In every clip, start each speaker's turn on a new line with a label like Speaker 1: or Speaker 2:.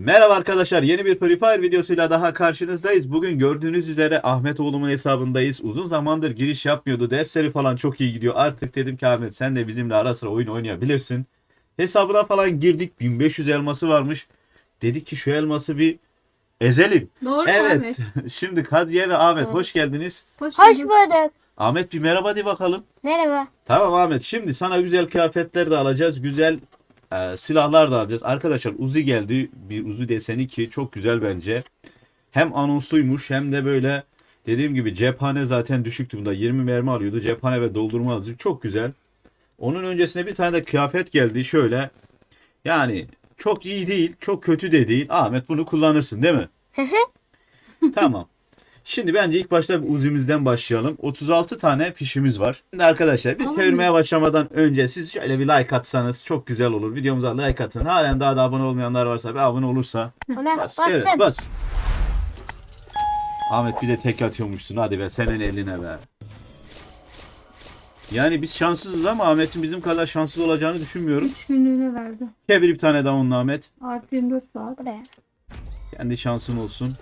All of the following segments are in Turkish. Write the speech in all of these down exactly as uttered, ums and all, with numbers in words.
Speaker 1: Merhaba arkadaşlar, yeni bir Free Fire videosuyla daha karşınızdayız. Bugün gördüğünüz üzere Ahmet oğlumun hesabındayız. Uzun zamandır giriş yapmıyordu. Dersleri falan çok iyi gidiyor. Artık dedim ki Ahmet sen de bizimle ara sıra oyun oynayabilirsin. Hesabına falan girdik. bin beş yüz elması varmış. Dedik ki şu elması bir ezelim.
Speaker 2: Doğru
Speaker 1: Evet.
Speaker 2: Ahmet.
Speaker 1: Şimdi Kadriye ve Ahmet
Speaker 2: Evet.
Speaker 1: hoş geldiniz.
Speaker 2: Hoş,
Speaker 3: Hoş
Speaker 2: bulduk.
Speaker 3: bulduk.
Speaker 1: Ahmet bir merhaba de bakalım.
Speaker 3: Merhaba.
Speaker 1: Tamam Ahmet, şimdi sana güzel kıyafetler de alacağız. Güzel e, silahlar da alacağız. Arkadaşlar Uzi geldi. Bir Uzi deseni ki çok güzel bence. Hem anonsuymuş hem de böyle dediğim gibi cephane zaten düşüktü bunda. yirmi mermi alıyordu. Cephane ve doldurma hızı çok güzel. Onun öncesine bir tane de kıyafet geldi. Şöyle yani çok iyi değil, çok kötü de değil. Ahmet bunu kullanırsın değil mi? Tamam. Şimdi bence ilk başta bir Uzi'mizden başlayalım. otuz altı tane fişimiz var. Şimdi arkadaşlar biz
Speaker 2: Tamam.
Speaker 1: çevirmeye başlamadan önce siz şöyle bir like atsanız çok güzel olur. Videomuza like atın. Halen daha da abone olmayanlar varsa bir abone olursa
Speaker 3: Ona
Speaker 1: bas.
Speaker 3: bastım.
Speaker 1: Evet bas. Ahmet bir de tek atıyormuşsun. Hadi be senin eline be. Yani biz şanssızız ama Ahmet'in bizim kadar şanssız olacağını düşünmüyorum.
Speaker 2: üç günlüğüne verdi.
Speaker 1: Çevir bir tane daha onunla Ahmet.
Speaker 2: Artı yirmi dört saat.
Speaker 3: Buraya.
Speaker 1: Kendi şansın olsun.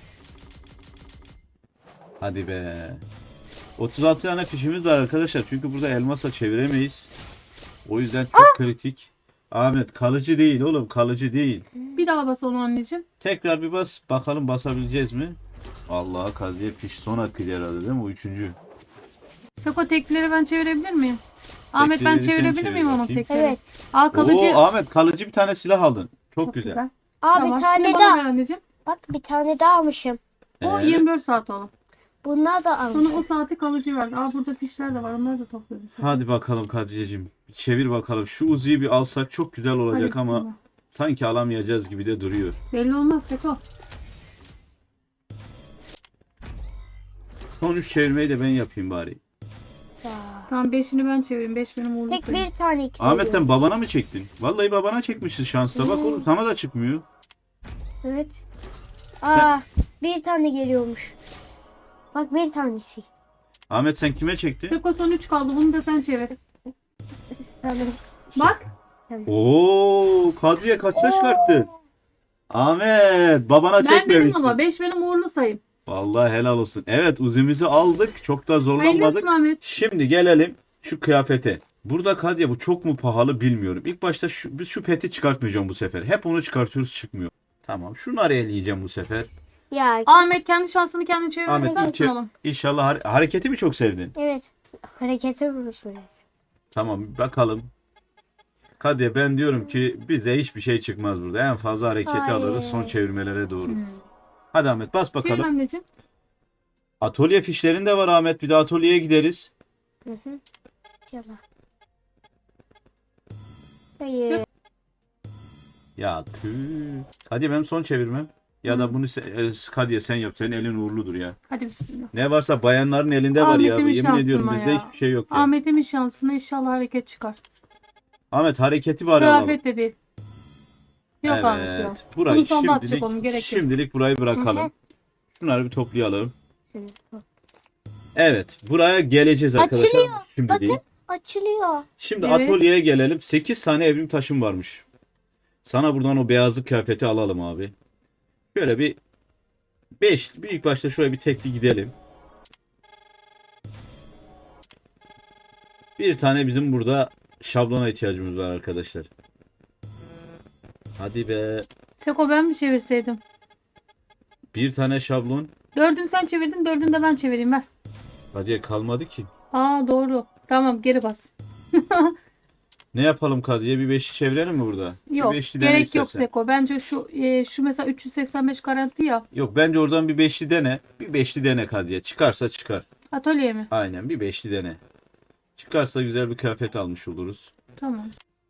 Speaker 1: Hadi be. otuz altı tane fişimiz var arkadaşlar. Çünkü burada elmasla çeviremeyiz. O yüzden çok kritik. Ahmet kalıcı değil oğlum, kalıcı değil.
Speaker 2: Bir daha bas onu anneciğim.
Speaker 1: Tekrar bir bas bakalım basabileceğiz mi? Allah'a Kadriye fiş son hakkıydı herhalde değil mi? O üçüncü.
Speaker 2: Sako tekleri ben çevirebilir miyim? Ahmet ben
Speaker 1: Tekleri sen
Speaker 2: çevirebilir
Speaker 1: çevir
Speaker 2: miyim onun
Speaker 1: bakayım.
Speaker 2: tekleri?
Speaker 3: Evet.
Speaker 2: Aa kalıcı.
Speaker 1: Oo Ahmet kalıcı bir tane silah aldın. Çok,
Speaker 2: Çok
Speaker 1: güzel.
Speaker 2: güzel.
Speaker 3: Aa
Speaker 2: Tamam,
Speaker 3: bir tane
Speaker 2: şimdi bana ver
Speaker 3: daha.
Speaker 2: anneciğim.
Speaker 3: Bak bir tane daha almışım.
Speaker 2: O
Speaker 1: Evet.
Speaker 2: yirmi dört saat oğlum.
Speaker 3: Bunlar da
Speaker 2: Sana
Speaker 3: almışım.
Speaker 2: o saati kalıcı verdi. Aa burada fişler de var. Onları da topladım. sana.
Speaker 1: Hadi bakalım Kadriyeciğim. Bir çevir bakalım. Şu Uzi'yi bir alsak çok güzel olacak
Speaker 2: Hadi
Speaker 1: ama
Speaker 2: bismillah.
Speaker 1: sanki alamayacağız gibi de duruyor.
Speaker 2: Belli olmaz Sako.
Speaker 1: Son üç çevirmeyi de ben yapayım bari.
Speaker 3: Ya.
Speaker 2: Tamam beşini ben çevireyim. beş benim uğurlu
Speaker 3: Tek
Speaker 2: sayım.
Speaker 3: bir tane ikisi.
Speaker 1: Ahmet sen babana mı çektin? Vallahi babana çekmişsin şansta. Bak
Speaker 3: Hmm.
Speaker 1: oğlum sana da çıkmıyor.
Speaker 3: Evet. Aa bir tane geliyormuş. Bak bir tanesi.
Speaker 1: Ahmet sen kime çektin?
Speaker 2: Sako son üç kaldı. Bunu da sen çevir.
Speaker 3: Sanırım.
Speaker 2: Bak.
Speaker 1: Oo, Kadriye kaçta çıkarttın? Ahmet babana
Speaker 2: Ben benim
Speaker 1: çekmemişsin.
Speaker 2: ama beş benim uğurlu sayım.
Speaker 1: Vallahi helal olsun. Evet Uzi'mizi aldık. Çok da
Speaker 2: Hayırlı
Speaker 1: zorlanmadık.
Speaker 2: olsun Ahmet.
Speaker 1: Şimdi gelelim şu kıyafete. Burada Kadriye bu çok mu pahalı bilmiyorum. İlk başta şu, biz şu peti çıkartmayacağım bu sefer. Hep onu çıkartıyoruz çıkmıyor. Tamam şunları eleyeceğim bu sefer.
Speaker 3: Ya
Speaker 2: Ahmet kendi şansını kendi çevirmek
Speaker 1: Ahmet
Speaker 2: ister misin
Speaker 1: çe-
Speaker 2: oğlum?
Speaker 1: İnşallah har- hareketi mi çok sevdin?
Speaker 3: evet. Harekete vurursun.
Speaker 1: Tamam bakalım. Kadriye ben diyorum ki bize hiçbir şey çıkmaz burada. En fazla hareketi
Speaker 3: Hayır.
Speaker 1: alırız son çevirmelere doğru. Hadi Ahmet bas
Speaker 2: Çevir
Speaker 1: bakalım.
Speaker 2: anneciğim.
Speaker 1: Atölye fişlerin de var Ahmet. Bir de atölyeye gideriz.
Speaker 3: Hı hı. İnşallah. Hayır.
Speaker 1: Ya tüh. Hadi benim son çevirmem. Ya da bunu se- e, Kadriye sen yap. Senin elin uğurludur ya.
Speaker 2: Hadi bismillah.
Speaker 1: Ne varsa bayanların elinde var ya.
Speaker 2: Ahmet'imin
Speaker 1: Yemin ediyorum
Speaker 2: şansına
Speaker 1: bizde
Speaker 2: ya.
Speaker 1: hiçbir şey yok ya.
Speaker 2: Ahmet'imin şansına inşallah hareket çıkar.
Speaker 1: Ahmet hareketi var alalım.
Speaker 2: Kıyafet de değil. Yok Ahmet yok.
Speaker 1: Evet. Burayı
Speaker 2: Bunu sonda atacak
Speaker 1: şimdilik,
Speaker 2: onun, gerek yok.
Speaker 1: şimdilik burayı
Speaker 3: Hı
Speaker 1: bırakalım.
Speaker 3: hı.
Speaker 1: Şunları bir toplayalım.
Speaker 3: Evet.
Speaker 1: Evet. Buraya geleceğiz arkadaşlar.
Speaker 3: Açılıyor.
Speaker 1: Şimdi
Speaker 3: Bakın.
Speaker 1: değil.
Speaker 3: Açılıyor.
Speaker 1: Şimdi
Speaker 2: Evet.
Speaker 1: atölyeye gelelim. sekiz tane evrim taşım varmış. Sana buradan o beyazlık kıyafeti alalım abi. Şöyle bir beş, bir ilk başta şuraya bir tekli gidelim. Bir tane bizim burada şablona ihtiyacımız var arkadaşlar. Hadi be.
Speaker 2: Seko ben mi çevirseydim?
Speaker 1: Bir tane şablon.
Speaker 2: Dördünü sen çevirdin, dördünü de ben çevireyim ver.
Speaker 1: Hadi kalmadı ki.
Speaker 2: Aa doğru. Tamam geri bas.
Speaker 1: Ne yapalım Kadriye? Bir beşli çevirelim mi burada?
Speaker 2: Yok
Speaker 1: Bir beşli dene
Speaker 2: gerek yok
Speaker 1: istersen.
Speaker 2: Seko. Bence şu e, şu mesela üç yüz seksen beş garanti ya.
Speaker 1: Yok bence oradan bir beşli dene. Bir beşli dene Kadriye. Çıkarsa çıkar.
Speaker 2: Atölye mi?
Speaker 1: Aynen bir beşli dene. Çıkarsa güzel bir kıyafet almış oluruz.
Speaker 2: Tamam.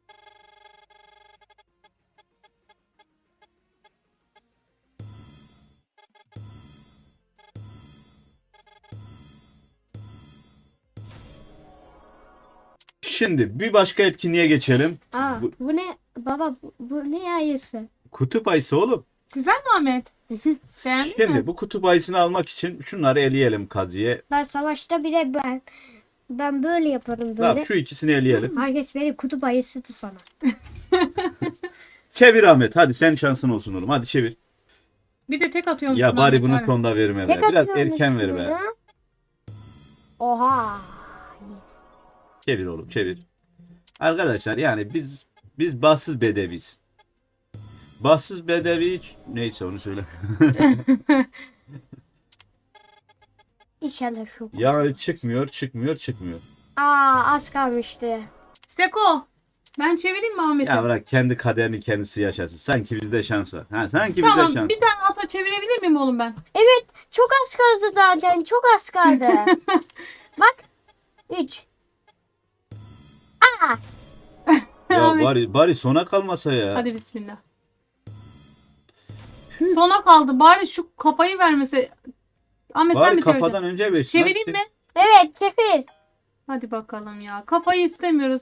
Speaker 1: Şimdi bir başka etkinliğe geçelim.
Speaker 3: Aa
Speaker 1: Bu-
Speaker 3: bu, ne? Baba bu, bu ne ayısı?
Speaker 1: Kutup ayısı oğlum.
Speaker 2: Güzel mi Ahmet? Beğendin
Speaker 1: Şimdi
Speaker 2: mi?
Speaker 1: bu kutup ayısını almak için şunları eleyelim Kadriye.
Speaker 3: Ben savaşta bile ben ben böyle yaparım böyle.
Speaker 1: Tamam şu ikisini eleyelim.
Speaker 3: Herkes beni kutup ayısıdı sana.
Speaker 1: Çevir Ahmet. Hadi senin şansın olsun oğlum. Hadi çevir.
Speaker 2: Bir de tek atıyorsun.
Speaker 1: Ya bari
Speaker 2: Ahmet,
Speaker 1: bunu
Speaker 2: var.
Speaker 1: sonda verme be.
Speaker 3: Tek
Speaker 1: Biraz
Speaker 3: atıyorum
Speaker 1: erken ver
Speaker 3: üstüne.
Speaker 1: be.
Speaker 3: Oha.
Speaker 1: Çevir oğlum çevir. Arkadaşlar yani biz biz bahtsız bedeviyiz. Bahtsız bedevi neyse onu söyle.
Speaker 3: İnşallah şu.
Speaker 1: Yani çıkmıyor çıkmıyor çıkmıyor.
Speaker 3: Aa az kalmıştı.
Speaker 2: Seko. Ben çevireyim mi Ahmet'i?
Speaker 1: Ya bırak kendi kaderini kendisi yaşasın. Sanki bizde şans var. Ha, sanki bizde
Speaker 2: Tamam
Speaker 1: şans
Speaker 2: bir tane ata çevirebilir miyim oğlum ben?
Speaker 3: Evet çok az kaldı zaten. Çok az kaldı. Bak. Üç. Aa.
Speaker 1: Ya
Speaker 2: Ahmet.
Speaker 1: bari, bari sona kalmasa ya.
Speaker 2: Hadi bismillah. Sona kaldı. Bari şu kafayı vermese. Ahmet sen
Speaker 1: Bari
Speaker 2: mi çevireceksin?
Speaker 1: kafadan önce versin.
Speaker 2: Çevireyim
Speaker 1: Hadi.
Speaker 2: mi?
Speaker 3: Evet çevir.
Speaker 2: Hadi bakalım ya. Kafayı istemiyoruz.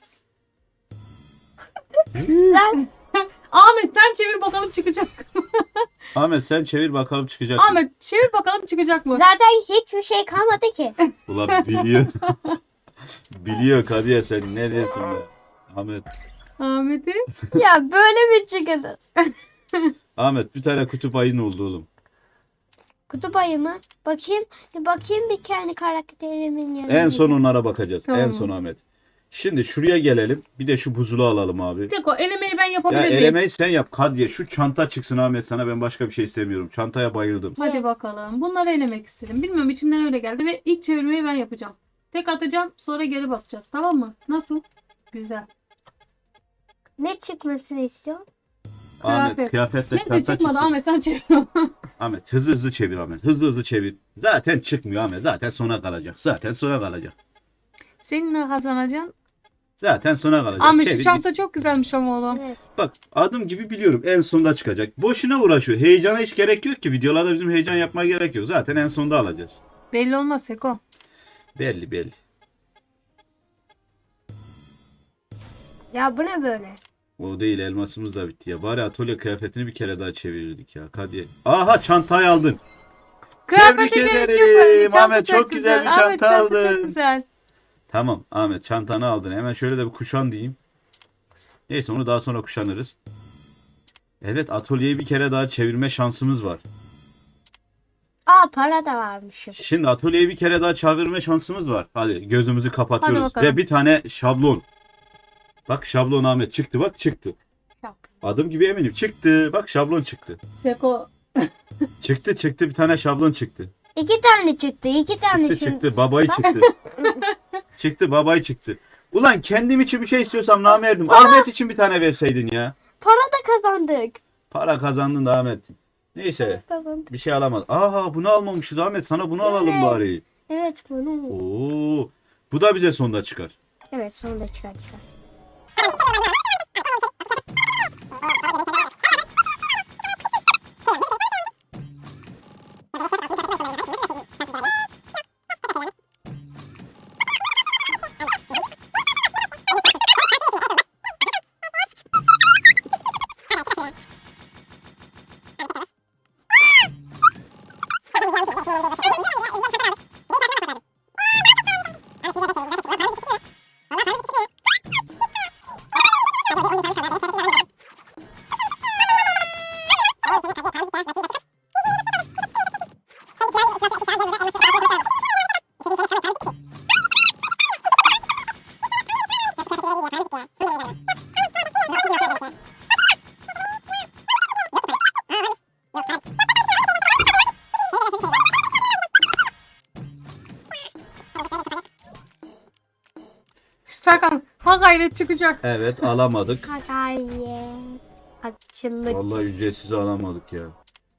Speaker 3: Sen
Speaker 2: Ahmet sen çevir bakalım çıkacak.
Speaker 1: Ahmet sen çevir bakalım çıkacak mı?
Speaker 2: Ahmet çevir bakalım çıkacak mı?
Speaker 3: zaten hiçbir şey kalmadı ki.
Speaker 1: Ulan biliyor. Biliyor Kadiye sen ne diyorsun be? Ahmet.
Speaker 2: Ahmet'i.
Speaker 3: Ya böyle mi çıkılır?
Speaker 1: Ahmet bir tane kutup ayın oldu oğlum.
Speaker 3: Kutup ayı mı? Bakayım. Bir bakayım bir kendi karakterimin yanına.
Speaker 1: En son onlara bakacağız.
Speaker 2: Tamam.
Speaker 1: En son Ahmet. Şimdi şuraya gelelim. Bir de şu buzulu alalım abi.
Speaker 2: Seko elemeyi ben
Speaker 1: Ya
Speaker 2: yapabilir miyim?
Speaker 1: elemeyi sen yap Kadiye. Şu çanta çıksın Ahmet sana ben başka bir şey istemiyorum. Çantaya bayıldım.
Speaker 2: Hadi bakalım. Bunları elemek istedim. Bilmiyorum içimden öyle geldi ve ilk çevirmeyi ben yapacağım. Tek atacağım sonra geri basacağız. Tamam mı? Nasıl? Güzel.
Speaker 3: Ne çıkmasını istiyorsun?
Speaker 1: Ahmet
Speaker 2: Kıyafet.
Speaker 1: kıyafetle
Speaker 2: Neyse
Speaker 1: çanta
Speaker 2: çıkmadı
Speaker 1: çıksın.
Speaker 2: Ahmet sen çevir.
Speaker 1: Ahmet hızlı hızlı çevir Ahmet. Hızlı hızlı çevir. Zaten çıkmıyor Ahmet. Zaten sona kalacak. Zaten sona kalacak.
Speaker 2: Seninle kazanacaksın.
Speaker 1: Zaten sona kalacak.
Speaker 2: Ahmet
Speaker 1: Çevir
Speaker 2: şu çanta
Speaker 1: gitsin.
Speaker 2: çok güzelmiş ama oğlum.
Speaker 3: Evet.
Speaker 1: Bak adım gibi biliyorum en sonda çıkacak. Boşuna uğraşıyor. Heyecana hiç gerek yok ki. Videolarda bizim heyecan yapmaya gerek yok. Zaten en sonda alacağız.
Speaker 2: Belli olmaz Seko.
Speaker 1: Belli belli.
Speaker 3: Ya bu ne böyle?
Speaker 1: O değil elmasımız da bitti ya. Bari atölye kıyafetini bir kere daha çevirirdik ya. Hadi. Aha çantayı aldın.
Speaker 2: Kıyafete
Speaker 1: Tebrik
Speaker 2: gerek
Speaker 1: ederim.
Speaker 2: yok öyle. Çanta
Speaker 1: Ahmet, çok güzel bir
Speaker 2: Ahmet,
Speaker 1: çanta
Speaker 2: çanta
Speaker 1: aldın.
Speaker 2: Çok güzel.
Speaker 1: Tamam Ahmet çantanı aldın. Hemen şöyle de bir kuşan diyeyim. Neyse onu daha sonra kuşanırız. Evet atölyeyi bir kere daha çevirme şansımız var.
Speaker 3: Aa para da varmışım.
Speaker 1: Şimdi atölyeyi bir kere daha çevirme şansımız var. Hadi gözümüzü kapatıyoruz.
Speaker 2: bakalım.
Speaker 1: Ve bir tane şablon. Bak şablon Ahmet çıktı bak çıktı. Adım gibi eminim çıktı. Bak şablon çıktı.
Speaker 2: Seko.
Speaker 1: Çıktı çıktı bir tane şablon çıktı.
Speaker 3: İki tane çıktı. iki tane
Speaker 1: Çıktı
Speaker 3: şimdi.
Speaker 1: çıktı babayı çıktı. Çıktı babayı çıktı. Ulan kendim için bir şey istiyorsam namerdim. Ahmet için bir tane verseydin ya.
Speaker 3: Para da kazandık.
Speaker 1: Para kazandın da Ahmet. Neyse
Speaker 3: Kazandık.
Speaker 1: bir şey alamaz. Aha bunu almamışız Ahmet sana bunu alalım
Speaker 3: Evet.
Speaker 1: bari.
Speaker 3: Evet bunu.
Speaker 1: Oo. Bu da bize sonda çıkar.
Speaker 3: Evet sonunda çıkar çıkar.
Speaker 2: Serkan ha gayret çıkacak.
Speaker 1: Evet alamadık.
Speaker 3: Kakayet. Açıllık.
Speaker 1: Vallahi ücretsiz alamadık ya.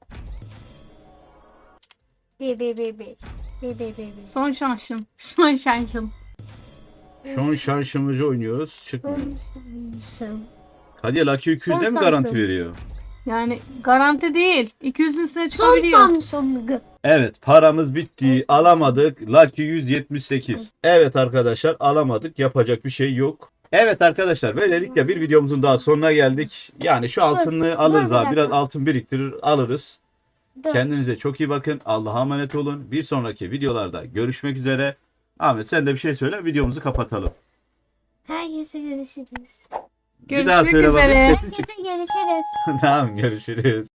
Speaker 3: Bir bir bir bir. Bir bir bir bir.
Speaker 2: Son şansın. Son şansın.
Speaker 1: Şu an şarjımızı oynuyoruz. Çıkmıyor.
Speaker 3: Son.
Speaker 1: Hadi Lucky iki yüzde mi
Speaker 3: Son
Speaker 1: garanti
Speaker 3: Samsung.
Speaker 1: veriyor?
Speaker 2: Yani garanti değil. iki yüzün üstüne
Speaker 3: Son
Speaker 2: çıkabiliyor.
Speaker 3: Samsung.
Speaker 1: Evet paramız bitti. Alamadık. Lucky yüz yetmiş sekiz. Evet arkadaşlar alamadık. Yapacak bir şey yok. Evet arkadaşlar böylelikle bir videomuzun daha sonuna geldik. Yani şu altını alırız
Speaker 3: dur bir
Speaker 1: abi. Biraz
Speaker 3: dakika.
Speaker 1: altın biriktirir alırız.
Speaker 3: Dur.
Speaker 1: Kendinize çok iyi bakın. Allah'a emanet olun. Bir sonraki videolarda görüşmek üzere. Ahmet sen de bir şey söyle videomuzu kapatalım.
Speaker 3: Herkese görüşürüz.
Speaker 1: Bir daha
Speaker 2: Görüşmek
Speaker 1: söyle bakayım.
Speaker 2: üzere.
Speaker 1: Sesin çık-
Speaker 3: Herkese görüşürüz.
Speaker 1: Tamam görüşürüz.